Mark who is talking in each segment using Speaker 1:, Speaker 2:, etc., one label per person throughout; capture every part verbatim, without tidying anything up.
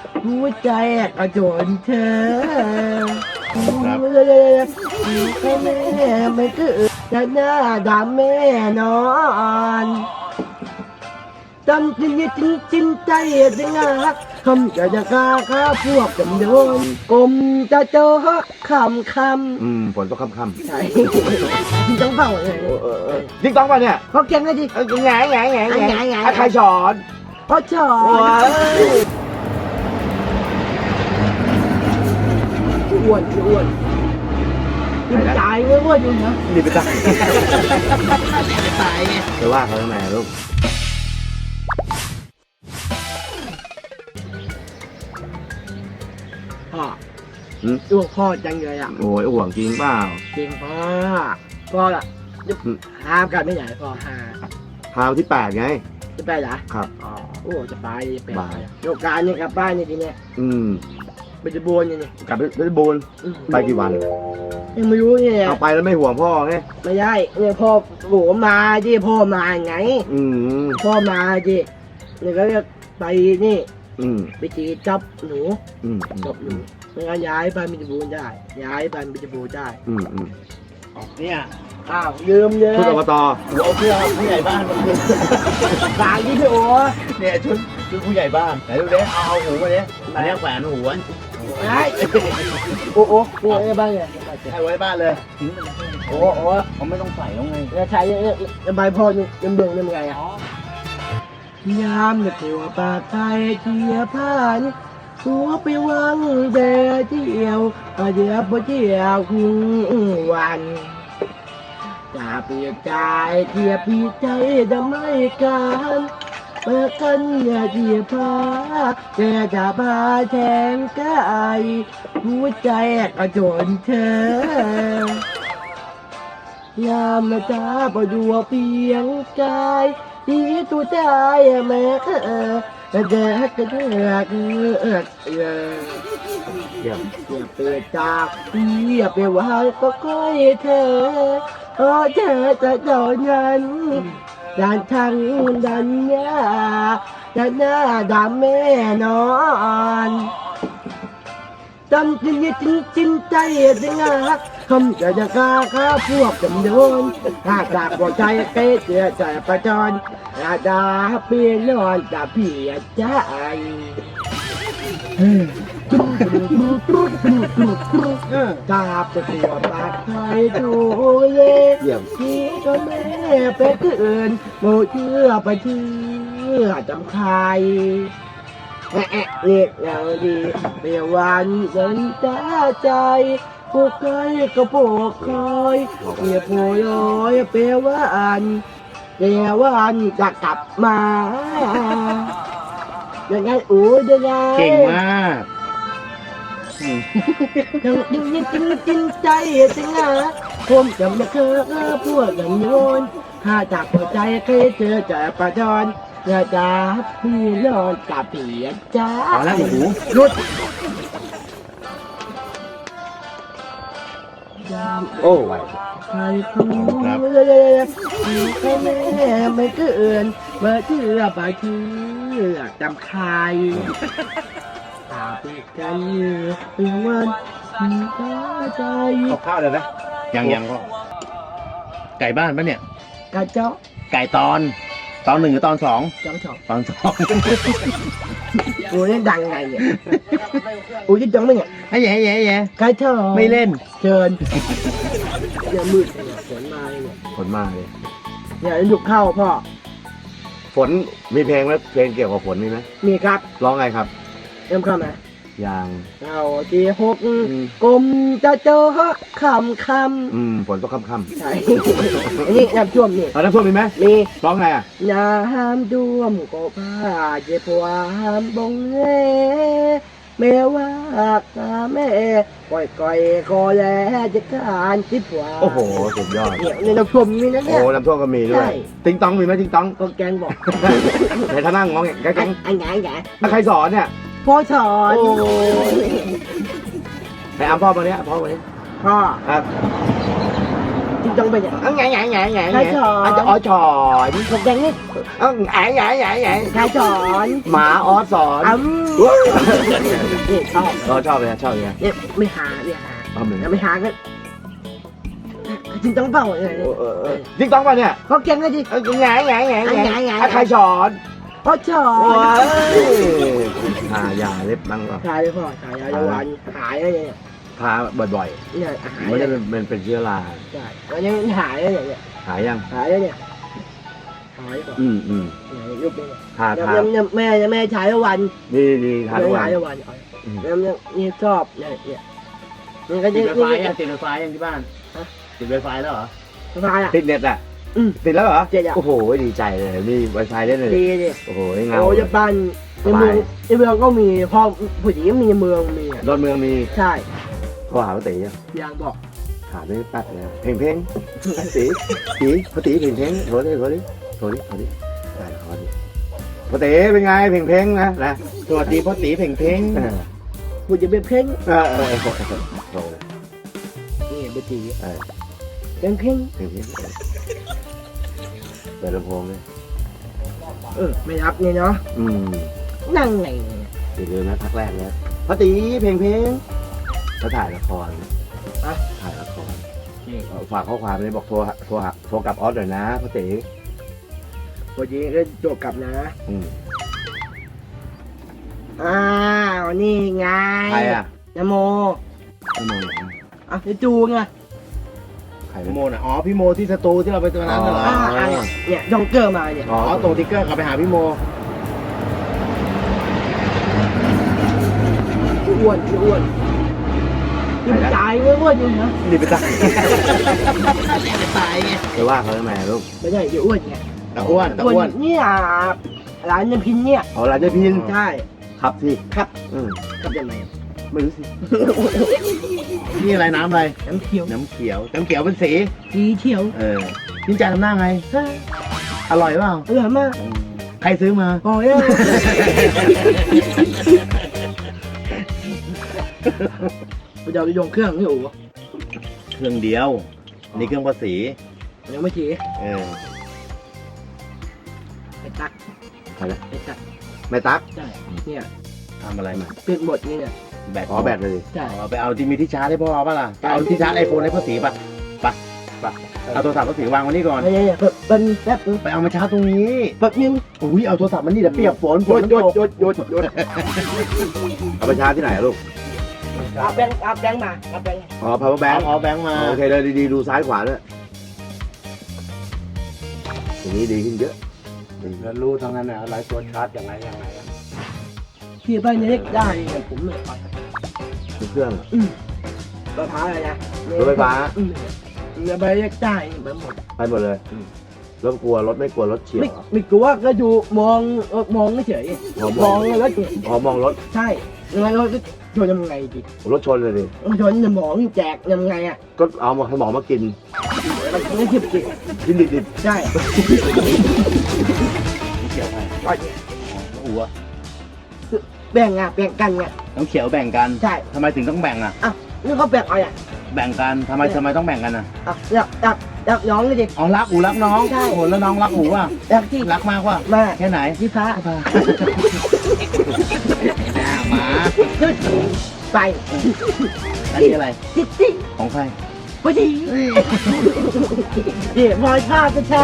Speaker 1: หัวใจกระโจนเธอครับแม่ไม่คือจะหน้าดำแม่นอนจำจริงจริงจริงใจจริงอ่ะคำจะจะกล้าข้าพวกจำโดนกลมจะเจอคำคำ
Speaker 2: อืมฝนตกค่ำๆ
Speaker 1: ใช่จริงต้องเฝ้าเลย
Speaker 2: จริงต้องป่ะเนี่ย
Speaker 1: เขาเก่งเลยดิ
Speaker 2: เออไงไงไงไง
Speaker 1: ไงไง
Speaker 2: ใครสอน
Speaker 1: พ่อชอ
Speaker 2: โอ้ย
Speaker 1: อ้วนอ้วนตายอ้วนอยู่นะ
Speaker 2: นี่ไปตาย
Speaker 1: ตายไง
Speaker 2: ไปว่าเขาทำไมลูก
Speaker 1: พ่อ
Speaker 2: อืม
Speaker 1: อ้วกพ่อจังเลยอ่ะ
Speaker 2: โอ้ยห่วงจริงเปล่า
Speaker 1: จริงพ่อพ่อละห้ามกันไม่ไหนพ่อห้า
Speaker 2: พาวันที่แปดไง
Speaker 1: จะไปเหรอ
Speaker 2: ครับ
Speaker 1: อ๋อโอ้จะไปไป
Speaker 2: ไป
Speaker 1: โยกการเนี่ยกลับบ้านเนี่ยทีเนี้ย
Speaker 2: อืม
Speaker 1: ไปจะบวนเนี่ย
Speaker 2: กลับไปเพชรบูรณ์ไปกี่วัน
Speaker 1: ยังไม่รู้เนี่ย
Speaker 2: เอาไปแล้วไม่ห่วงพ่อไง
Speaker 1: ไม่ได้เนี่ยพ่อโหมาดิพ่อมาไง
Speaker 2: อืม
Speaker 1: พ่อมาดิเนี่ยก็จะไปนี่
Speaker 2: อืม
Speaker 1: ไปจีจับหนู
Speaker 2: อืม
Speaker 1: จับหนูไม่งั้นย้ายไปมิจบูรณ์ได้ ย้ายไปมิจบูรณ์ได้
Speaker 2: อืมอืม
Speaker 3: เนี่ย
Speaker 1: อ้าวยืมเยอะ
Speaker 2: ชุดอบต
Speaker 3: หัวเอาเพื่อผู้ใหญ่บ้านมาคืน
Speaker 1: ฝากที่พี่โอ้
Speaker 3: เนี่ยชุดชุดผู้ใหญ่บ้านไหนดูเด้เอาเอาหูมาเด้อันนี้แขวนหูไว้
Speaker 1: ไอ้โอ้โอ้โอ้ไอ้บ้านเนี่ย
Speaker 3: ให้ไว้บ้านเลยทิ้งไปเลย
Speaker 1: โอ้โอ้
Speaker 3: เขาไม่ต้องใส่แล้วไง
Speaker 1: แล้วใช้ใบพ่อนี่ยังเบิ่งยังไงอ่ะยามเนี่ยตัวปากไทยเทียผ้านี่หัวไปวังแดดเที่ยวเดี๋ยวพอเที่ยวคืนวันจะเปลี่ยนใจเทียบพี่ใจจะไม่กันเมื่อกันอย่าเทียบผ้าแกจะพาแทงกายหัวใจกระโจนเธอยามมาจ้าพอดูเพียงกายที่ตัวใจแม่เออแต่เด็กก็เด็กเออเออเออ
Speaker 2: เยี่ยม
Speaker 1: อย่าเปิดจากอย่าไปว่าก็ค่อยเธอเพราะเธอจะโดนนั้นดันทางดันยาดันหน้าดำแม่นอนจำจริงจริงจริงใจจริงอ่ะคำจะจะกล้าข้าพวกจำโดนถ้าจากหัวใจเกยเสียใจประจรอาดาเปลี่ยนนอนจะเพียใจกราบจะตัวปากไทยดูเย่
Speaker 2: เยี่ยม
Speaker 1: ที่ก็แม่ไปคืนโมเชื่อไปเชื่อจำใครแอะแอะเรียกอย่างดีเปลี่ยนวันเดินจ้าใจผู้เคยก็โปกคอยเปลี่ยนโผล่ลอยเปลี่ยนวันเปลี่ยนวันจะกลับมายังไงอู้ยังไง
Speaker 3: เก่งมาก
Speaker 1: ยังยังยังจริงจริงใจจริงอ่ะผมจะไม่เคยพูดอย่างโยนถ้าจากหัวใจเคยเจอจะประจรอย่าจับพี่นอนกับเปียจ้า
Speaker 3: เอาแล้วหู
Speaker 1: รุด
Speaker 2: โอ้ไหว
Speaker 1: ใครคุ้มใครแม่ไม่เกินเมื่อเชื่อไปเชื่อจำใครตาปีกันเป็นวันมีตาใจ
Speaker 3: เอาข้าวเลยนะยังยังก็ไก่บ้านปะเนี่ย
Speaker 1: กระเจาะ
Speaker 3: ไก่ตอน ตอนหนึ่งหรือตอนสอง
Speaker 1: จังฉอก
Speaker 3: ตอนสอง
Speaker 1: โอ้ยดังไงเนี่ยโอ้ยจังไหมเนี่ย
Speaker 3: ไอ้แย่แย่แย่
Speaker 1: กระเจาะ
Speaker 3: ไม่เล่น
Speaker 1: เชิญอย่ามืดเนี่ยฝนมาเนี่ย
Speaker 2: ฝนมาเลย
Speaker 1: เนี่ยหยุดเข้าพ่อ
Speaker 2: ฝนมีเพลงไหมเพลงเกี่ยวกับฝนมีไหม
Speaker 1: มีครับ
Speaker 2: ร้องไงครับ
Speaker 1: เริ่มเข้ามา
Speaker 2: อย่าง
Speaker 1: เอาที่หก
Speaker 2: อืม
Speaker 1: กลมจะเจอคำค
Speaker 2: อืมฝนตกค่ำ
Speaker 1: ำใช่อันนี้น้ำท่วมนี่
Speaker 2: ๆเอาน้ำท่วมมีไหม
Speaker 1: มี
Speaker 2: ร้องไงอ่ะ
Speaker 1: น้ำท่วมก็พาเจ็บหวานบงเล่แม่ว่าตาแม่ก่อยก่อยคอแลจะการจิบหวาน
Speaker 2: โอ้โหสุดยอด
Speaker 1: เนี่ยในน้ำท่วมมีนะเนี่
Speaker 2: โอ้
Speaker 1: ย
Speaker 2: น้ำท่วมก็มีด้ว
Speaker 1: ใช่
Speaker 2: ยติ๊งต้องมีไหมติ๊งต้อง
Speaker 1: ก็แกงบอก
Speaker 2: ไหนท่านั่งงองแกแกง
Speaker 1: ไอ้ไงไง
Speaker 2: ใครสอนเนี่ย
Speaker 1: พ่อสอน
Speaker 2: โอ้ไหนอ้ำพ่อมาเนี้ยพ่อมาเนี้ย
Speaker 1: พ่อ
Speaker 2: ครับ
Speaker 1: จริงต้องไปเนี่ย
Speaker 2: ไงไงไงไง
Speaker 1: ใครสอน
Speaker 2: อาจจะอ๋อสอน
Speaker 1: ผมแดงนี่
Speaker 2: เอ้าไงไงไงไง
Speaker 1: ใครสอน
Speaker 2: หมาอ๋อสอน
Speaker 1: อ้ำนี่ชอบ
Speaker 2: เราชอบเลยชอบเลย
Speaker 1: เนี่ยไม่หาเนี่ยหา
Speaker 2: เอาเหมือน
Speaker 1: แล้วไม่หาก็จริงต้องเปล่าเลย
Speaker 2: จริงต้องป่ะเนี่ย
Speaker 1: เขาเก่งเลยดิ
Speaker 2: ไงไงไงไงไงใครสอน
Speaker 1: เขาสอ
Speaker 2: โอ้
Speaker 1: น
Speaker 2: ยอ่าอย่าเล็บบังก่อน
Speaker 1: ขายเลยพ่อขายยาวันหายอะไรเนี่ย
Speaker 2: ทาบ่อย
Speaker 1: เนี่ยหา
Speaker 2: ๆ
Speaker 1: ย
Speaker 2: ไม่
Speaker 1: เล
Speaker 2: ได้
Speaker 1: ย
Speaker 2: เป็นเป็นเชื้อรา
Speaker 1: ใช่วันนี้หายเลยเนี่ย
Speaker 2: หายยัง
Speaker 1: หายเลยเนี่ยหายก่อน
Speaker 2: อืมอืม
Speaker 1: เนี่ยรูปนี้
Speaker 2: ทาทา
Speaker 1: เนี่ยแม่แม่ใช้วัน
Speaker 2: นี่นี่ทาทุกวัน
Speaker 1: ใช้วันแล้วเนี่ยนี่ชอบเนี่ยเนี่ยนี่ก็
Speaker 3: ติ
Speaker 1: จะ
Speaker 3: ดไวไฟ
Speaker 1: นี่
Speaker 3: ยังติดไวไฟยังที่บ้าน
Speaker 1: ฮะ
Speaker 3: ติดไวไฟแล้วเหรอ
Speaker 1: สบายอ่ะ
Speaker 2: ติดเน็ตอ่ะ
Speaker 1: อืม
Speaker 2: ติดแล้วเหรอ
Speaker 1: เจ็ดอ่ะ
Speaker 2: โอ้โหดีใจเลยนี่ไวไฟเล่นเลย
Speaker 1: ดีดิ
Speaker 2: โอ้โหเงา
Speaker 1: โอ้จะบ้านในเมืองในเมืองก็มีพ่อผู้หญิงมีในเมืองมี
Speaker 2: ดอนเมืองมี
Speaker 1: ใช่
Speaker 2: โทรหาป้าตียัง
Speaker 1: ยางบอก
Speaker 2: ถามได้แป๊บเลยเพลงเพลงตีตีป้าตีเพลงเพลงโทรดิโทรดิโทรดิโทรดิได้ขอดิป้าตีเป็นไงเพลงเพลงนะนะ
Speaker 3: สวัสดีพ่อตีเพ่งเพ่ง
Speaker 2: เออ
Speaker 1: ผู้จะเป็นเพ่ง
Speaker 2: เออเออโทรโทรเลย
Speaker 1: นี่เป็นตี
Speaker 2: เออ
Speaker 1: เป็นเพ่ง
Speaker 2: เพลงเพลงเปิดลำโพงเลย
Speaker 1: เออไม่รับเนี่ยเนาะ
Speaker 2: อืม
Speaker 1: นั่งไงเนี่ย
Speaker 2: อย่าลืมนะพักแรกแล้วป้าตีเพลงเพลงเขาถ่ายละครถ่ายละคร
Speaker 1: นี่
Speaker 2: ฝากข้อความเลยบอกโทรโทรโทรกลับออสหน่อยนะป้าตี
Speaker 1: ผู้หญิงก็โจกกลับนะ
Speaker 2: อืม
Speaker 1: อ้าวนี่ไง
Speaker 2: ใครอ่ะ
Speaker 1: นโม
Speaker 2: พี่โมเหรอ
Speaker 1: อ่ะจะจูไง
Speaker 2: ใคร
Speaker 3: พี่
Speaker 2: นะ
Speaker 3: โมน่ะอ๋อพี่โมที่สตูที่เราไปตัวนั้นน่ะเหรอ
Speaker 1: อ่าอ่ะเนี่ยเนี่ยจองเกอร์มาเนี่ย
Speaker 2: อ๋อ
Speaker 3: อ๋อตรงติ๊กเกอร์กลับไปหาพี่โม
Speaker 1: อ้วนอ้วนยิ่งจ่ายเว้ยอ้วนยิ่งนะ
Speaker 2: นี่ไปตาย
Speaker 1: ตายไง
Speaker 2: จะว่าเขาทำไมลูก
Speaker 1: ไม่ใช่จะอ้วนไง
Speaker 3: แต่อ้วนแต่อ้วน
Speaker 1: เนี่ยร้านยำพินเนี่ย
Speaker 2: เอาลาเจพิน
Speaker 1: ใช่
Speaker 2: ครับสิ
Speaker 1: ครับ
Speaker 2: อืม
Speaker 1: ครับยังไง
Speaker 2: ไม่รู้สิ
Speaker 3: นี่อะไรน้ำอะไร
Speaker 1: น้ำเขียว
Speaker 3: น้ำเขียว น้ำเขียวเป็นสี
Speaker 1: สีเขียว
Speaker 3: เออพี่จานทำหน้าไง
Speaker 1: เฮ้ย
Speaker 3: อร่อยเปล่า
Speaker 1: อร่อยมาก
Speaker 3: ใครซื้อมา
Speaker 1: โอ้ยเดี๋ยวจะยงเครื่องนี่โอ้
Speaker 3: เครื่องเดียว นี่เครื่องภาษี
Speaker 1: ยังไม่ฉี
Speaker 3: เออ
Speaker 1: ไอ้ตัก
Speaker 2: ใครนะ
Speaker 1: ไอ้ตัก
Speaker 2: แม่ตั๊ก
Speaker 1: ใช่เนี่ย
Speaker 3: ทำอะไรมา
Speaker 1: เป็นบทนี่เนี่ย
Speaker 3: แบต
Speaker 2: อ๋อแบตเลย
Speaker 1: ใช่
Speaker 3: อ๋อไปเอาที่มีที่ชาร์จให้พ่อป่ะล่ะไปเอาที่ชาร์จไอโฟนให้พ่อสีป่ะไปไปเอาโทรศัพท์พ่อสีวางไว้นี่ก่อน
Speaker 1: ไม่ใช่เนี่ยเป็นแป๊บนึง
Speaker 3: ไปเอามาชาร์จตรงนี้
Speaker 1: แป๊บนึง
Speaker 3: อุ้ยเอาโทรศัพท์มันนี่เดี๋ยวเปียกฝนฝนมัน
Speaker 1: หยุด
Speaker 3: ตก
Speaker 1: หยุดหยุดหยุด
Speaker 2: เอาไปชาร์จที่ไหนอะลูก
Speaker 1: เอาแบงค์เอาแบงค์มาเอาแบงค์
Speaker 2: อ๋อ power
Speaker 3: แบง
Speaker 2: bank
Speaker 3: ค์เอาแบงค์มา
Speaker 2: โอเคเลยดีๆดูซ้ายขวาด้วยตรงนี้ดีขึ้นเยอะดี
Speaker 3: แล้วรู้ทั้งนั้นนะอะไรตัวชาร์จอย่างไรอย่างไร
Speaker 1: ที่บ้านเล็กได้เนี่ยผมเลยไป
Speaker 2: ทุกเครื่องอะ
Speaker 1: อืมรถไฟฟ้าอะไรนะ
Speaker 2: รถไฟฟ้า
Speaker 1: อืมเนี่ยไปเล็กได้ไปหมด
Speaker 2: ไปหมดเลยรถกลัวรถไม่กลัวรถเฉียว
Speaker 1: ไม่
Speaker 2: เหรอ
Speaker 1: ไม่กลัวก็ดูมองเออมองเฉย
Speaker 2: อ๋อ
Speaker 1: มองแล้ว
Speaker 2: อ๋อมองรถ
Speaker 1: ใช่ยังไงเราจะชนยังไงดิ
Speaker 2: รถชนเลยดิ
Speaker 1: ชนสมองแจกยังไงอ่ะ
Speaker 2: ก็เอามาสมองมากิน
Speaker 1: มันไม่เจ็บจิต
Speaker 2: กินดิบ
Speaker 1: ใช่
Speaker 3: น้ำเขียวไป
Speaker 1: ก็
Speaker 3: หัว
Speaker 1: แบ่งอ่ะแบ่งกันไง
Speaker 3: น้ำเขียวแบ่งกัน
Speaker 1: ใช่
Speaker 3: ทำไมถึงต้องแบ่งอ่ะ
Speaker 1: อ่ะนี่เขาแบ่งเอาอ่ะ
Speaker 3: แบ่งกันทำไมทำไมต้องแบ่งกันอ่ะ
Speaker 1: อ่ะอยากอยากอยากน้องเลยดิ
Speaker 3: อ๋อรักอูรักน้อง
Speaker 1: ใช่
Speaker 3: โอ้โหแล้วน้องรักอูอ่ะ
Speaker 1: อยากที่
Speaker 3: รักมากว่ะ
Speaker 1: มา
Speaker 3: แค่ไหน
Speaker 1: ที่ฟ้า
Speaker 3: หมา
Speaker 1: ไป
Speaker 3: อันนี้อะไร
Speaker 1: จิ๊ดจิ๊ด
Speaker 3: ของใคร
Speaker 1: พอดีเดี๋ยวพอยชาจะชา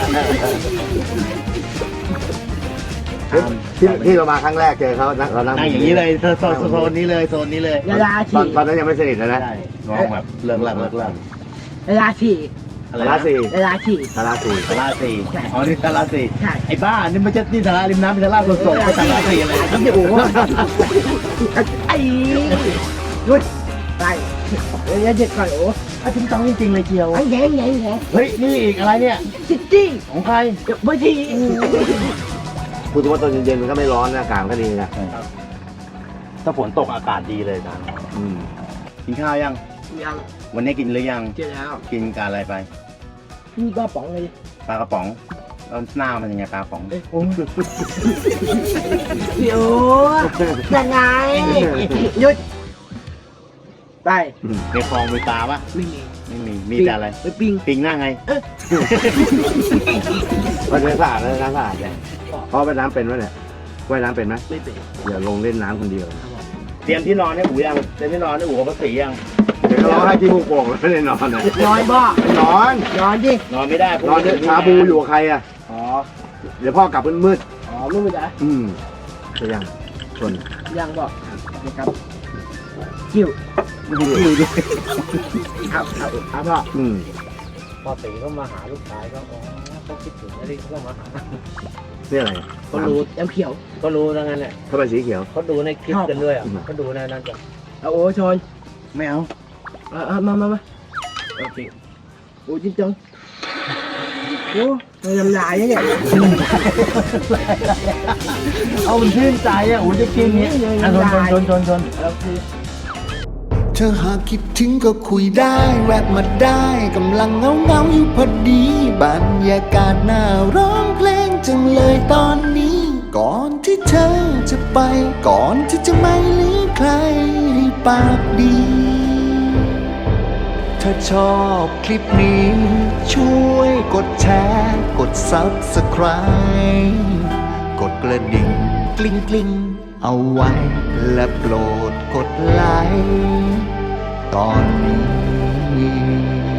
Speaker 2: ที่ที่เรามาครั้งแรกเจอเขานั่งเรานั่ง
Speaker 3: นั่งอย่างนี้เลยโซนโซนโซนนี้เลยโซนนี้เลย
Speaker 1: เวลา
Speaker 2: ตอน
Speaker 1: ฉี่
Speaker 2: ตอนนั้นยังไม่สนิทนะนะ
Speaker 3: ใช่น้องแบบเลิกหลักเลิกหลัก
Speaker 1: เวลาฉี่
Speaker 3: อะไร
Speaker 2: สารา
Speaker 3: นะ
Speaker 2: สี่
Speaker 1: เวลาฉี่
Speaker 2: สาราสี่
Speaker 3: สาราสี่
Speaker 1: ใช่
Speaker 3: อ๋อนี่สาราสี่
Speaker 1: ใช่
Speaker 3: ไอ้บ้านี่มันจะนี่สาราริมน้ำเป็นสาราสดๆไปสาราสี่อะไร
Speaker 1: ไอ้โอ้โหไอ้หยุดไปเดี๋ยวเด็กก่อนโอ้
Speaker 3: อ่ะจริงจังจริงๆเลยเจียว
Speaker 1: ไอ้แย่งแย่งแย่ง
Speaker 3: เฮ้ยนี่อีกอะไรเนี่ย
Speaker 1: จิ๊ดจี้
Speaker 3: ของใคร
Speaker 1: พอดี
Speaker 2: พูดถึงว่าตอนเย็นๆมันก็ไม่ร้อนนะอากาศมันก็ดีนะ
Speaker 3: ถ้าฝนตกอากาศดีเลยจาน
Speaker 2: อืม
Speaker 3: กินข้าวยัง
Speaker 1: ยัง
Speaker 3: วันนี้กินหรือยัง
Speaker 1: เจอแล้ว
Speaker 3: กินกับอะไรไป
Speaker 1: พี่ก็ป๋องเลย
Speaker 3: ปลากระป๋องแล้วหน้ามันยังไงปลากระป๋อง
Speaker 1: โอ้พี่โอ้ยังไงหยุดไป
Speaker 2: อืม
Speaker 3: ในคลองมีปลาปะ
Speaker 1: ไม่มี
Speaker 3: ไม่มีมีแต่อะไร
Speaker 1: ไปปิ้ง
Speaker 3: ปิงหน้าไง
Speaker 2: มันเป็นสะอาดเลยน้ำสะอาดเลยพ่อไปน้ำเป็นไหมเนี่ยว่ายน้ำเป็นไหม
Speaker 1: ไม่เป็น
Speaker 2: อย่าลงเล่นน้ำคนเดียว
Speaker 3: เตรียมที่นอนให้อูยังเตรียมที่นอนให้อูกับภาษียัง
Speaker 2: เดี๋ยวเราให้ที่มุกโป่งแล้วไม่ได้นอนนะ
Speaker 1: นอนบ่
Speaker 2: ไม่นอน
Speaker 1: นอนดิ
Speaker 3: นอนไม่ได้พรุ่ง
Speaker 2: นอน
Speaker 3: นี้
Speaker 2: ชาบูอยู่กับใครอ่ะ
Speaker 1: อ๋อ
Speaker 2: เดี๋ยวพ่อกลับมืด
Speaker 1: อ๋อไม่เป็นไร
Speaker 2: ๆอืมจะยังชวน
Speaker 1: ยังบ่นะครับกิ้ว
Speaker 2: อยู่ดิ
Speaker 1: ครับครับครับพ่อ
Speaker 2: อืม
Speaker 3: พอตีก็มาหาลูกชายก็อ๋อเขาคิดถึงอะไรก็มาหา
Speaker 2: นี่อะไร
Speaker 3: ก็รู้
Speaker 1: น้ำเขียว
Speaker 3: ก็รู้ทั้งนั้นแหละ
Speaker 2: ถ้าเป็นสีเขียว
Speaker 3: เขาดูในคลิปกันด้วยอ่ะ
Speaker 2: อืม
Speaker 3: เขาดูในนั้นกัน
Speaker 1: เอาโอ้ชน
Speaker 3: ไม่เอา
Speaker 1: เอาเอามามามาโอเคโอ้จริงจังโอ้ไม่ทำลายเนี่ย
Speaker 3: เอามันชื่นใจอ่ะอูจะกินเนี่ยอ่ะชนชนชนชน
Speaker 1: โอเค
Speaker 4: เธอหากคิดถึงก็คุยได้ แวะมาได้กำลังเงาเงาๆอยู่พอดีบรรยากาศน่าร้องเพลงจังเลยตอนนี้ ก่อนที่เธอจะไป ก่อนที่จะไม่เหลือใครให้ปากดี ถ้าชอบคลิปนี้ ช่วยกดแชร์ กด ซับสไครบ์ กดกระดิ่งกลิ้งกลิ้งๆเอาไว้ และโปรดกดไลค์ตอนนี้